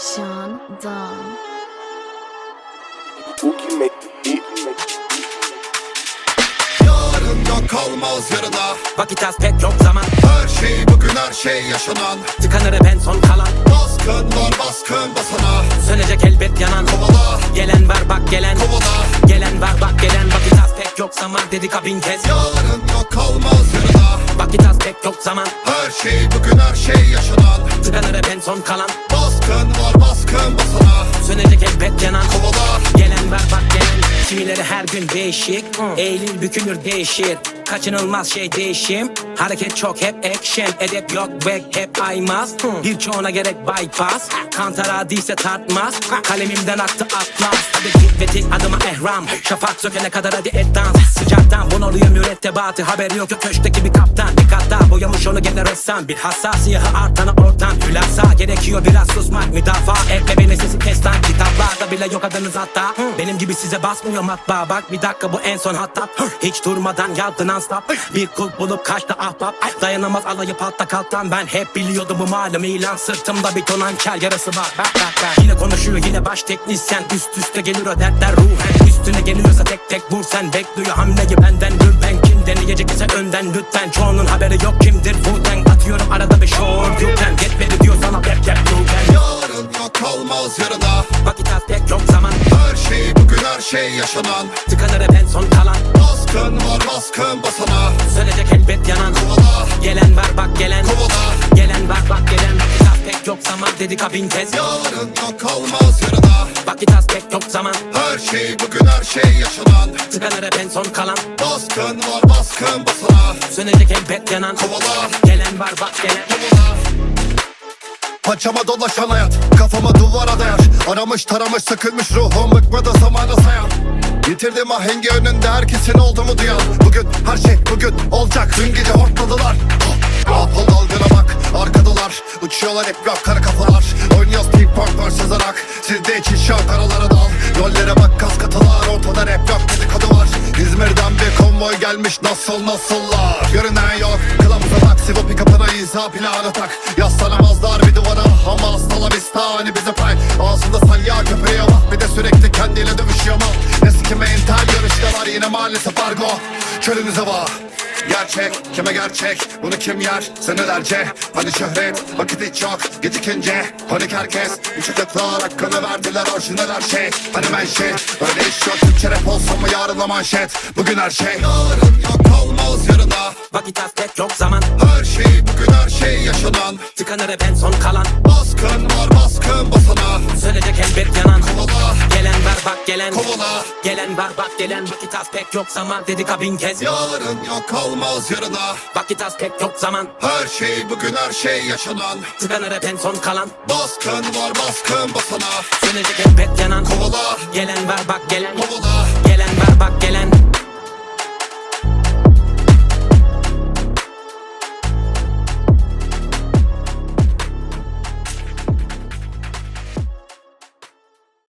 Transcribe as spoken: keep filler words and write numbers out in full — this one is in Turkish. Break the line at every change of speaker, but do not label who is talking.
Sean Don.
Boogie make the beat, make the
Yarın yok kalmaz yarına.
Vakit az pek yok zaman.
Her şey bugün, her şey yaşanan.
Tıkanır hep en son kalan.
Baskın var, baskın basana.
Sönecek elbet yanan.
Kovala,
Gelen var bak gelen.
kovala.
Gelen var bak gelen. Vakit az pek yok zaman dedik ha bin kez.
Yarın yok kalmaz yarına.
Vakit az pek yok zaman.
Her şey bugün, her şey yaşanan.
Tıkanır hep en son kalan.
Baskın var, baskın basana.
Sönecek elbet yanan.
Kovala,
Gelen var bak gelen. Kimileri her gün değişik. Eğilir bükülür değişir. Kaçınılmaz şey değişim. Hareket çok hep action. Edep yok back hep aymaz. Birçoğuna gerek bypass. Kantara değilse tartmaz. Kalemimden aktı atlas. Hadi git ve dik adıma ehram. Şafak sökene kadar hadi et dans. Sıcaktan bunalıyor mürettebatı. Haberi yok yok köşkteki bir kaptan. Dikkatta boyamış onu gene ressam. Bir hassasiyahı artana ortam. Hülasa gerekiyor biraz susmak. Müdafaa et ve beni sesi kes lan. Kitaplarda bile yok adınız hatta. Benim gibi size basmıyor matbaa. Bak bir dakika bu en son hatta. Hiç durmadan yaptı non stop. Bir kulp bulup kaçtı ahbap. Dayanamaz alayı patla kalktan. Ben hep biliyordum bu malum ilan. Sırtımda bir ton hançer yarası var. Bak bak bak. Yine konuşuyor yine baş teknisyen. Üst üste gelir o dertler ruhen. Üstüne geliyorsa tek tek vur sen. Bekliyor hamleyi benden dur ben. Kim deneyecek ise önden lütfen. Çoğunun haberi yok kimdir Wu-Tang. Atıyorum arada bir short you can. Yetmedi diyor sana rap rap you can.
yarın yok kalmaz yarına.
Vakit az pek yok zaman.
Her şey bugün, her şey yaşanan.
Tıkanır hep en son kalan.
Baskın var, baskın basana.
Sönecek elbet yanan.
Kovala,
Gelen var bak gelen.
kovala.
Gelen var bak gelen. Vakit az pek yok zaman dedik ha bin kez.
Yarın yok kalmaz yarına.
Vakit az pek yok zaman.
Her şey bugün, her şey yaşanan.
Tıkanır hep en son kalan.
Baskın var, baskın basana.
Sönecek elbet yanan.
Kovala,
Gelen var bak gelen.
kovala. Paçama dolaşan hayat, kafama duvara dayar. Aramış taramış sıkılmış ruhum, bıkmadı zamana sayan. Yitirdim ahengi önünde herkesin olduğumu duyan. Bugün her şey bugün olacak, dün gece hortladılar. Apple dalgına bak, arkadalar uçuyorlar hep rock kara kafalar. Oynuyoruz ping pong versus rock. Sizde için şok aralara dal. Rollere bak kas katılar, ortada rap yok dedikodu var. İzmir'den bir konvoy gelmiş nasıl nasıllar. Görünen yok, kılavuza bak. Sivo pick-up'ına izah planı tak. Yaslanamazlar bir duvara ama hasta vista hani bize pay. Ağzında salya köpeğe bak, bir de sürekli kendiyle dövüşüyor mal. Ne sikime intel görüşte var yine maalesef argo. Çölünüze var gerçek, kime gerçek, bunu kim yer senelerce. Hani şöhret, vakit hiç yok, gecikince. Panik herkes, uçacaklar hakkını verdiler orijinal her şey. Hani menşe, öyle iş yok, Türkçe rap olsa mı yarınla manşet. Bugün her şey, yarın yok kalmaz yarına.
Vakit az pek yok zaman.
Her şey bugün, her şey yaşanan.
Tıkanır hep en son kalan.
Baskın var, baskın basana.
Sönecek elbet yanan.
Kovala,
Gelen var bak gelen.
kovala.
Gelen var bak gelen. Vakit az pek yok zaman dedik ha bin kez.
Yarın yok kalmaz yarına.
Vakit az pek yok zaman.
Her şey bugün, her şey yaşanan.
Tıkanır hep en son kalan.
Baskın var, baskın basana.
Sönecek elbet yanan.
Kovala,
Gelen var bak gelen.
kovala.
Gelen var bak gelen.